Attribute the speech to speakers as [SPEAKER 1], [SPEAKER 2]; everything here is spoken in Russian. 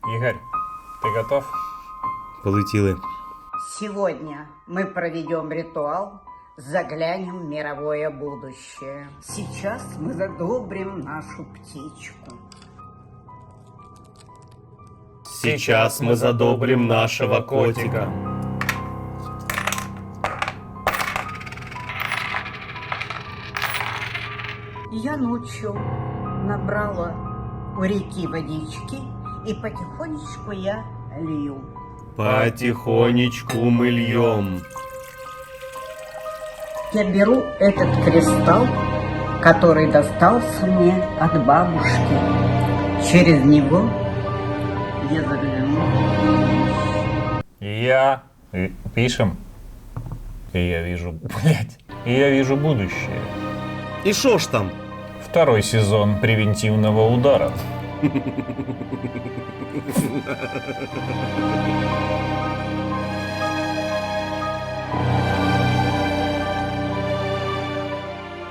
[SPEAKER 1] Игорь, ты готов?
[SPEAKER 2] Полетіли.
[SPEAKER 3] Сегодня мы проведем ритуал, заглянем в мировое будущее. Сейчас мы задобрим нашу птичку.
[SPEAKER 2] Сейчас мы задобрим нашего котика.
[SPEAKER 3] Я ночью набрала у реки водички, и потихонечку я лью.
[SPEAKER 2] Потихонечку мы льем.
[SPEAKER 3] Я беру этот кристалл, который достался мне от бабушки. Через него я загляну.
[SPEAKER 1] Пишем. И я вижу, я вижу будущее.
[SPEAKER 2] И шо ж там?
[SPEAKER 1] Второй сезон превентивного удара.